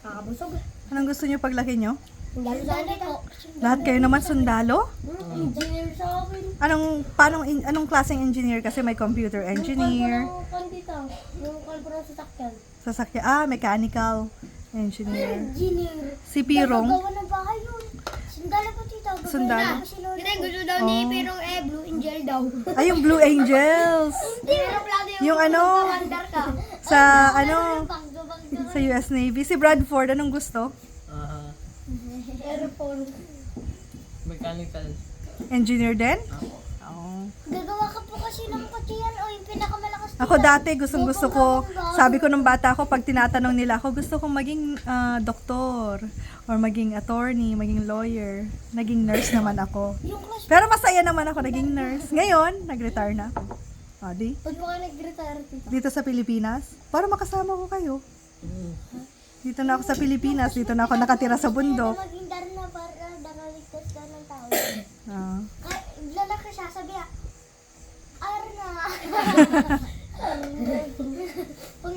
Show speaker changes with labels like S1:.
S1: Kakabusog.
S2: Anong gusto niyo paglaki niyo?
S1: Sundalo sa akin po.
S2: Lahat kayo naman sundalo?
S1: Engineer sa akin.
S2: Anong klaseng engineer? Kasi may computer engineer,
S1: Yung pandita. Yung kalbura sa sakyan.
S2: sasakyan, mechanical engineer.
S1: Engineer.
S2: Si Pirong,
S1: Gawa ng bahay yun. Sundalo po tita.
S2: Sundalo?
S1: Hindi, gusto daw ni Pirong Blue Angel daw.
S2: ay yung Blue Angels.
S1: Hindi, aeroplano
S2: Yung ano,
S1: Commander ka.
S2: sa ano, sa US Navy. Si Bradford, anong gusto?
S1: Aeroplano.
S3: Mechanical.
S2: Engineer din? Oo.
S1: Gagawa ka po kasi ng kotse yan o yung pinakamalakas
S2: Ako dati, gustong gusto ko, sabi ko nung bata ako, pag tinatanong nila ako, gusto kong maging doktor, or maging attorney, maging lawyer. Naging nurse naman ako.
S1: Yung class.
S2: Pero masaya naman ako naging nurse. Ngayon, nag-retire na ako. O, di?
S1: Ba't mo ka nag-retire tita?
S2: Dito sa Pilipinas, para makasama ko kayo. Dito na ako sa Pilipinas, dito na ako nakatira sa bundok.
S1: Maging darna para nakaligtas ka ng tao.
S2: Ah.
S1: Lalaki siya, sabi Arna. Pag